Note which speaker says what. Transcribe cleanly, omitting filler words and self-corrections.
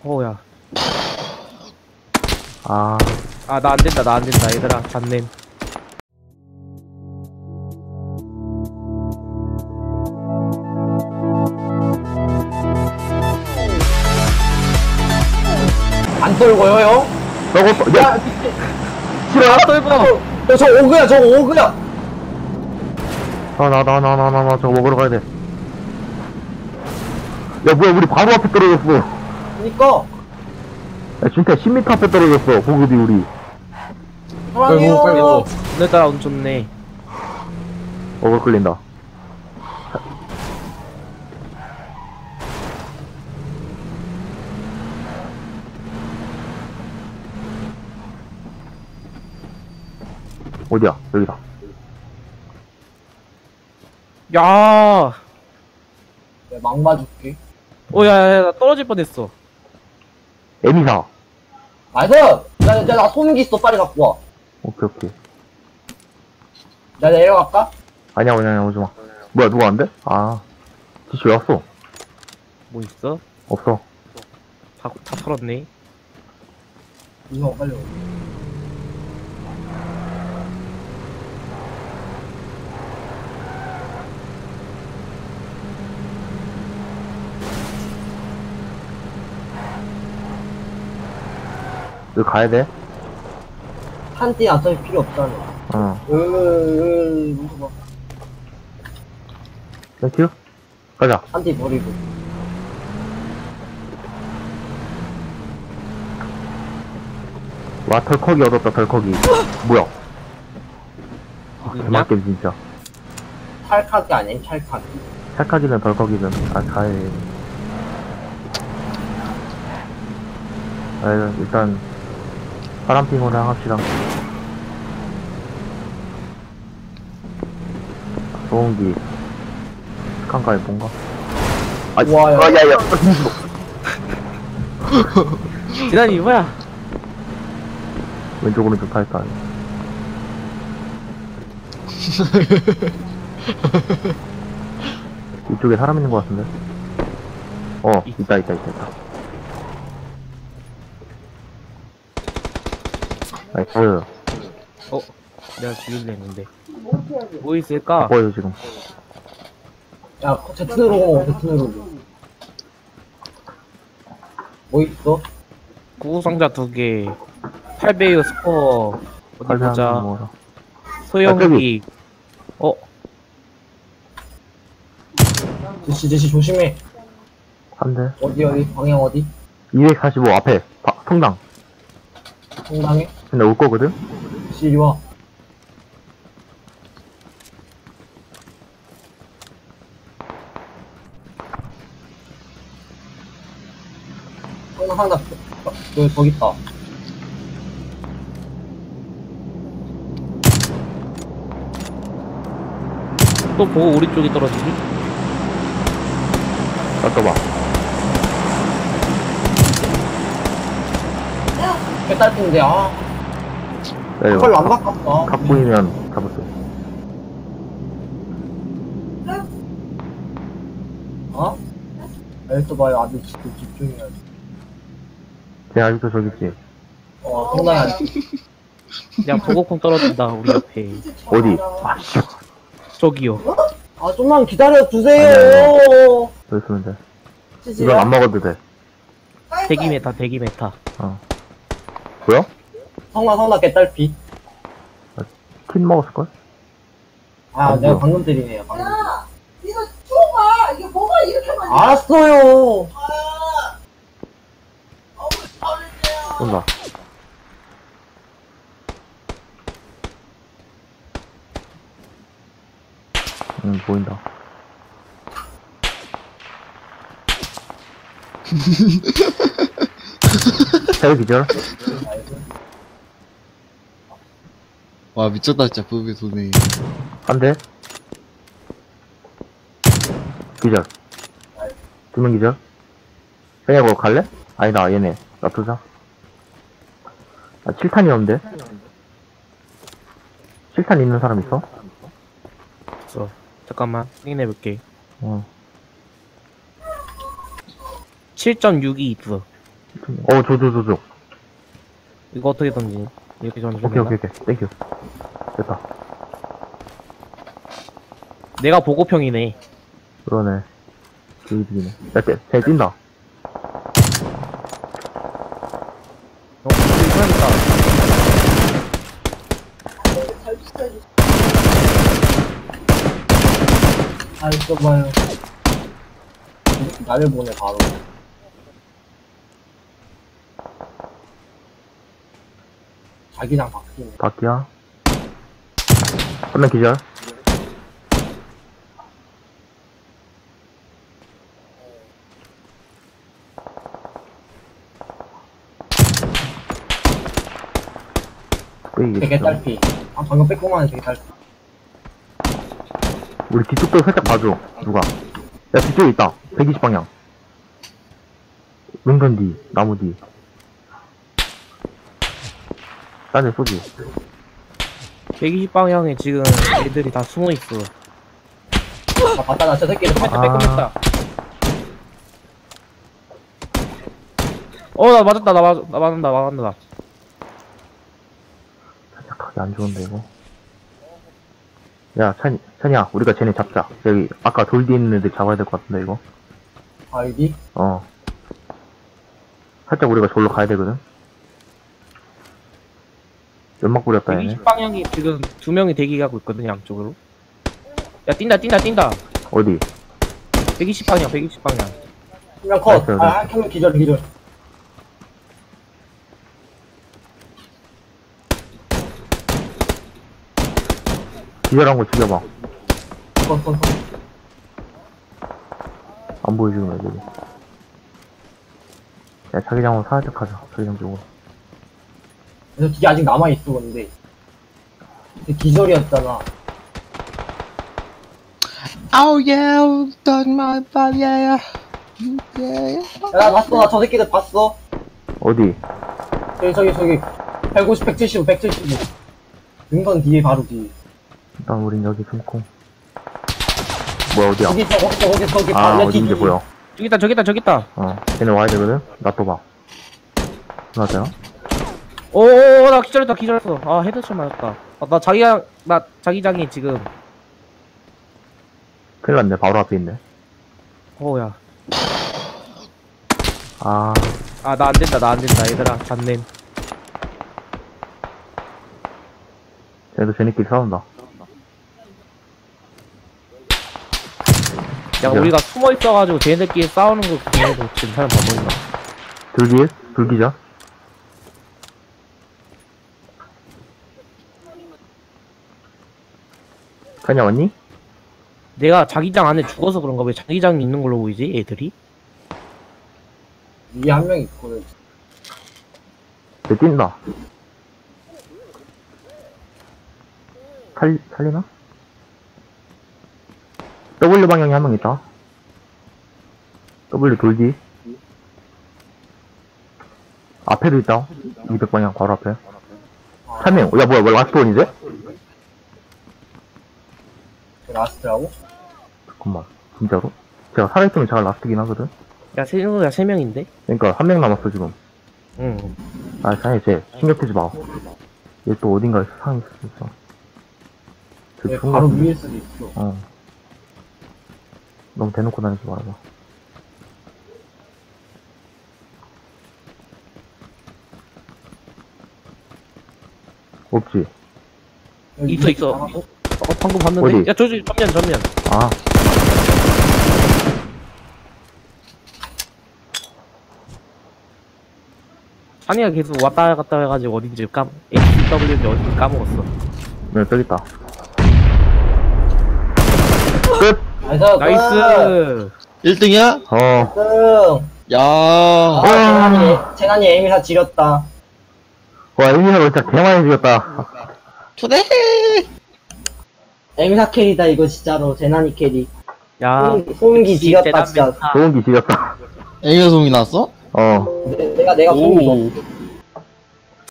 Speaker 1: 어우야.
Speaker 2: 아,
Speaker 1: 아, 나 안 된다, 나 안 된다, 얘들아. 잡냄.
Speaker 3: 안 떨고요, 형?
Speaker 2: 저거,
Speaker 3: 야,
Speaker 2: 싫어요?
Speaker 1: 똘보!
Speaker 3: 저 오그야, 저거 오그야!
Speaker 2: 저거 먹으러 가야 돼. 야, 뭐야, 우리 바로 앞에 떨어졌어.
Speaker 3: 그니까,
Speaker 2: 야, 진짜 10m 앞에 떨어졌어, 보급이 우리.
Speaker 3: 사랑해요.
Speaker 1: 오늘따라 운 좋네.
Speaker 2: 어글 끌린다. 어디야? 여기다.
Speaker 1: 야!
Speaker 3: 내가 막 맞을게.
Speaker 1: 야, 나 떨어질 뻔했어.
Speaker 2: 에미사.
Speaker 3: 나이스! 나 소음기 있어, 빨리 갖고 와.
Speaker 2: 오케이.
Speaker 3: 나 내려갈까?
Speaker 2: 아니야, 오지 마. 뭐야, 누가 안 돼? 아, 지시 왜 왔어?
Speaker 1: 뭐 있어?
Speaker 2: 없어.
Speaker 1: 다 털었네.
Speaker 3: 이거 빨리 와.
Speaker 2: 여기 가야 돼?
Speaker 3: 한띠 어차피 필요 없잖아.
Speaker 2: 응.
Speaker 3: 무서워.
Speaker 2: 땡큐? 가자.
Speaker 3: 한띠 버리고.
Speaker 2: 와, 덜컥이 얻었다, 덜컥이. 뭐야?
Speaker 1: 있냐?
Speaker 2: 개맞게 진짜.
Speaker 3: 찰칵이 아니야, 찰칵이.
Speaker 2: 찰칵이든 덜컥이든. 아, 잘. 아, 일단, 파란핑으로 합시다. 소음기. 스칸가에 뭔가? 아,
Speaker 3: 우와, 야.
Speaker 2: 야.
Speaker 1: 지난이 뭐야?
Speaker 2: 왼쪽, 오른쪽 다 했다. 이쪽에 사람 있는 것 같은데? 있다. 나이스.
Speaker 1: 내가 죽일래 했는데. 뭐 있을까?
Speaker 2: 보여, 지금.
Speaker 3: 야, 제트로고, 제트로고. 뭐 있어?
Speaker 1: 구구상자 2개. 8배율 스코어. 어디 보자.
Speaker 2: 뭐라.
Speaker 1: 소형기.
Speaker 3: 제시 조심해.
Speaker 2: 한 대.
Speaker 3: 어디, 방향 어디?
Speaker 2: 245 앞에. 성당.
Speaker 3: 성당에?
Speaker 2: 근데 올 거거든?
Speaker 3: 제시 이리 와. 성당, 거기 있다.
Speaker 1: 또 보고 우리 쪽이 떨어지니?
Speaker 2: 잠깐봐.
Speaker 3: 깨딸핀데, 아.
Speaker 2: 야,
Speaker 3: 별로 안 바꿨다.
Speaker 2: 각 보이면 잡았어.
Speaker 3: 어? 알겠어 봐요. 아주 집중해야지.
Speaker 2: 걔 아직도 저기 있지?
Speaker 3: 성당에 아직.
Speaker 1: 야, 보고콩 떨어진다, 우리 옆에.
Speaker 2: 어디? 아, 씨.
Speaker 1: 저기요.
Speaker 3: 아, 좀만 기다려 주세요.
Speaker 2: 여기 있으면 돼. 이건 안 먹어도 돼.
Speaker 1: 대기 메타.
Speaker 2: 뭐야?
Speaker 3: 성당 개딸피.
Speaker 2: 킨 먹었을걸?
Speaker 3: 아,
Speaker 2: 안
Speaker 3: 내가
Speaker 2: 보여.
Speaker 3: 방금 때리네요. 방금.
Speaker 4: 이거 줘봐. 이게 뭐가 이렇게 많이.
Speaker 3: 알았어요.
Speaker 2: 온다. 보인다. 세대 기절?
Speaker 5: 와 미쳤다 진짜 부비 도네.
Speaker 2: 한 대? 기절. 2명 기절? 그냥 뭐 갈래? 아니다, 얘네. 놔두자. 아, 7탄이 없는데? 7탄 있는 사람 있어?
Speaker 1: 없어. 잠깐만, 확인해볼게.
Speaker 2: 어.
Speaker 1: 7.62 있어.
Speaker 2: 줘.
Speaker 1: 이거 어떻게 던지니? 이렇게 던지면
Speaker 2: 오케이. 땡큐. 됐다.
Speaker 1: 내가 보고평이네.
Speaker 2: 그러네. 여기네. 야, 쟤 뛴다.
Speaker 1: 그러니까.
Speaker 4: 잘 비싸지.
Speaker 3: 아, 있어봐요. 나를 보내, 바로. 자기장 바뀌네.
Speaker 2: 바퀴야. 한 명 기절.
Speaker 3: 되게 딸피. 아, 방금 빼꼼하네, 되게 딸피.
Speaker 2: 우리 뒤쪽도 살짝 봐줘. 누가? 야, 뒤쪽에 있다. 120방향. 은근 뒤, 나무 뒤. 딴데 쏘지.
Speaker 1: 120방향에 지금 애들이 다 숨어있어.
Speaker 3: 아, 봤다, 나 저 새끼를 봤다.
Speaker 1: 빼꼼했다. 나 맞았다, 나 맞았다.
Speaker 2: 살짝 가기 안 좋은데, 이거. 야, 찬이야, 우리가 쟤네 잡자. 여기, 아까 돌 뒤에 있는 애들 잡아야 될 것 같은데, 이거.
Speaker 3: 아, 여기?
Speaker 2: 살짝 우리가 저기로 가야 되거든? 연막 뿌렸다, 얘네.
Speaker 1: 120방향이 지금 2명이 대기하고 있거든, 양쪽으로. 야, 뛴다.
Speaker 2: 어디?
Speaker 1: 120방향.
Speaker 3: 한명 컷.
Speaker 2: 나이스,
Speaker 3: 아, 한 명 기절.
Speaker 2: 기절한 거 죽여봐.
Speaker 3: 컷.
Speaker 2: 안 보여, 지금 애들이. 야, 자기장으로 살짝 가자. 자기장 쪽으로.
Speaker 3: 그래서 뒤에 아직 남아있어, 근데. 근데 기절이었잖아.
Speaker 5: Oh yeah, done my body, yeah.
Speaker 3: 야, 나 봤어. 나 저 새끼들 봤어.
Speaker 2: 어디?
Speaker 3: 저기. 150, 175. 은건 뒤에, 바로 뒤에.
Speaker 2: 일단 우린 여기 숨고. 뭐야, 어디야?
Speaker 3: 거기,
Speaker 2: 아,
Speaker 3: 바로
Speaker 2: 어딘지
Speaker 3: 뒤에.
Speaker 2: 보여.
Speaker 1: 저기 있다.
Speaker 2: 쟤네 와야 되거든? 나 또 봐. 맞아요?
Speaker 1: 나 기절했어. 아, 헤드샷 맞았다. 나 자기장이 지금.
Speaker 2: 큰일 났네, 바로 앞에 있네.
Speaker 1: 야.
Speaker 2: 아,
Speaker 1: 나 안 된다. 얘들아, 잡냄.
Speaker 2: 쟤네도 쟤네끼리 싸운다.
Speaker 1: 야,
Speaker 2: 기절.
Speaker 1: 우리가 숨어 있어가지고 쟤네들끼리 싸우는 거 보면서 지금 사람 다 보인다.
Speaker 2: 불기자? 찬이야, 왔니?
Speaker 1: 내가 자기장 안에 죽어서 그런가? 왜 자기장이 있는 걸로 보이지, 애들이?
Speaker 3: 위에 한 명 있거든.
Speaker 2: 쟤 뛴다. 살리나? W 방향에 한 명 있다. W 돌기. 앞에도 있다. 200방향 바로 앞에. 3명. 야, 뭐야, 라스트 원이지?
Speaker 3: 라스트라고?
Speaker 2: 잠깐만. 진짜로? 제가 살아있으면 제가 라스트긴 하거든?
Speaker 1: 야, 세 명인데?
Speaker 2: 그러니까, 1명 남았어, 지금.
Speaker 1: 응.
Speaker 2: 아, 찬이, 쟤, 신경 쓰지 마. 얘 또 어딘가에 상이 있을 수 있어. 저
Speaker 3: 네,
Speaker 2: 죽은 거
Speaker 3: 바로
Speaker 2: 같은데?
Speaker 3: 위일 수도 있어.
Speaker 2: 너무 대놓고 다니지 말아봐. 없지?
Speaker 3: 여기
Speaker 1: 있어.
Speaker 3: 남았어.
Speaker 1: 방금 봤는데?
Speaker 2: 어디?
Speaker 1: 야, 전면.
Speaker 2: 아,
Speaker 1: 찬이가 계속 왔다 갔다 해가지고 어딘지 HW인지 어딘지 까먹었어.
Speaker 2: 네, 저기 있다. 끝!
Speaker 1: 나이스!
Speaker 5: 1등이야?
Speaker 2: 어.
Speaker 3: 야,
Speaker 5: 야.
Speaker 3: 재난이 에미사 지렸다.
Speaker 2: 와, 에미사가 진짜 개많이 죽였다.
Speaker 5: 초대!
Speaker 3: 에미사 캐리다, 이거 진짜로. 재난이 캐리.
Speaker 1: 야,
Speaker 3: 소음기
Speaker 1: 역시
Speaker 3: 지렸다,
Speaker 1: 대단
Speaker 3: 진짜.
Speaker 1: 멘탈.
Speaker 2: 좋은 기 지렸다.
Speaker 5: 애교송이 나왔어?
Speaker 2: 어.
Speaker 3: 내가 소음기
Speaker 5: 오.
Speaker 3: 줬어.